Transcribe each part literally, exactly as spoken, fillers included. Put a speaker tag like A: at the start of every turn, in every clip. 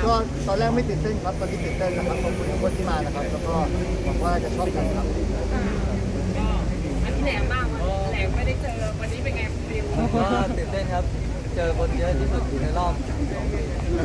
A: ก็ตอนแรกไม่ตื่นเต้นครับตอนนี้ตื่นเต้นนะครับขอบคุณทุกคนที่มานะครับแล้วก็หวังว่าจะชอบกันครับ
B: ก็อันที่แหลมบ้างวันแหลมไม่ได้เจอวันนี้เป็นไงฟิล
C: ก็ตื่นเต้นครับ เจอคนเยอะที่สุดในรอบสองปี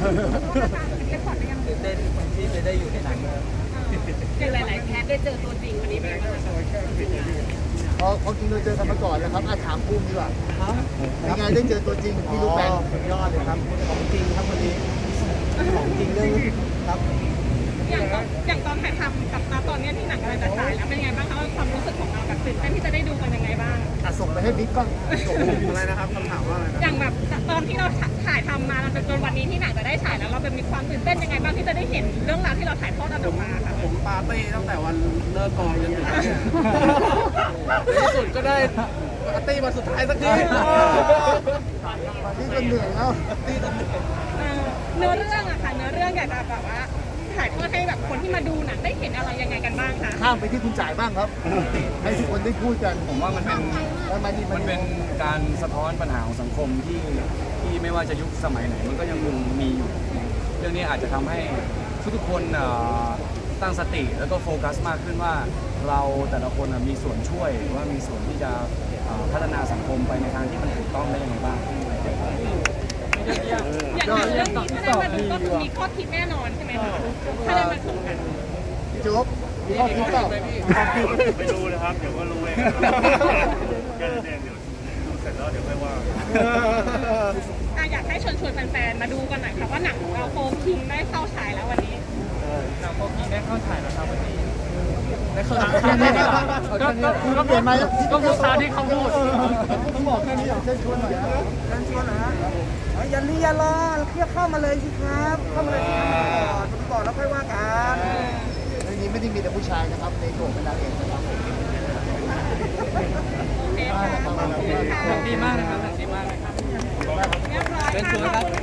C: ตื่นเต้นที่จะได้อยู่ในหนังครับ
B: เจอหลายๆแคสได้เจอตัวจริงวันนี้เป็นไงบ้าง
A: เพราะเขาจริงเราเจอกันมาก่อนนะครับอาถามภูมิดีกว่าเป็นไงได้เจอตัวจริงพี่ลูกแปง
C: สุดยอดเลยครับ ของจริงครับวันนี้ ของจริงเลยครับ
B: อย่างตอนอย่างตอนถ่ายทำกับตอนนี้ที่หนังกำลังจะฉายแล้วเป็นไงบ้างคะความรู้สึกของเราแบบตื่นเต้นที่จะได้ดูกันยังไงบ้าง
A: อ่ะส่งไปให้บิ๊กบ้าง
C: อะไรนะครับคำถามว่าอะไรนะ
B: อย่างแบบตอนที่เราถ่ายทำมาจนวันนี้ที่หนังจะได้ฉายแล้วเราเป็นมีความตื่นเต้นยังไงบ้างที่จะได้เห็นเรื่องราวที่เราถ่ายทอดออกมาค่ะ
C: ผมปาร์ตี้ตั้งแต่วันเลิกกองจนถึงที่สุดก็ได้ปาร์ตี้มาสุดท้ายสักที
A: ที่จนเหนื่อยแล้ว
B: เออเนื้อเรื่องอะค่ะเนื้อเรื่องอยากจะแบบว่าถ่ายทอดให้แบบคนที่มาดูหนังได้เห็นอะไรยังไงกันบ้างคะ
A: ข้ามไปที่คุณจ่ายบ้างครับ ให้ทุกคนได้พูดกัน
D: ผมว่ามันเป็น
A: แล้วมานี่
D: มันเป็นการสะท้อนปัญหาของสังคมที่ที่ไม่ว่าจะยุคสมัยไหนมันก็ยังคงมีอยู่ เรื่องนี้อาจจะทำให้ทุกๆคนเอ่อตั้งสติแล้วก็โฟกัสมากขึ้นว่าเราแต่ละคนน่ะมีส่วนช่วยหรือว่ามีส่วนที่จะเอ่อพัฒนาสังคมไปในทางที่มันถูกต้องได้ยังไงบ้าง
B: อย่างหนังเรื่องนี้ถ้าได้มาดูก็คือมีข้อคิดแน่นอนใช่ไหมคะถ้าได้มาชมกัน
A: พี่โจ๊กมีข้อคิดเปล่า
E: ไปดูนะครับ เดี๋ยวก็รู้เองแค่นั้นเองเดี๋ยวดูเสร็จแล้วเดี๋ยวค่อยว่า
B: อ่ะอยากให้ชวนชวนแฟนๆมาดูกันหน่อยค่ะว่าหนังของเราโฟร์คิงได้เข้าฉายแล้ววันนี้
C: หนังโฟกีได้เข้าฉายแล้วครับวันนี้ได้เข้า
A: แค่นี้ครับ
C: ก็ก็
A: คุณเปลี่ยนมา
C: ก็พูดตามที่เขาพูด
A: ต้องบอกแค่นี้อย่างเช่นชวนหน่อยนะ
C: เชิญชวนนะฮะอย่าลีอย่ารอเรียกเข้ามาเลยสิครับ เข้ามาเลยสิครับก่อนแล้วค่อยว่ากัน
A: ในนี้ไม่ได้มีแต่ผู้ชายนะครับในโถงเป็นนางเอกนะครับ
B: โอเคค่ะขอบคุณค่ะ
C: ดีมากนะครับดีมากนะครับ
B: เรียบร้อย
C: เชิญชวนค
B: ค่ะ
C: รับ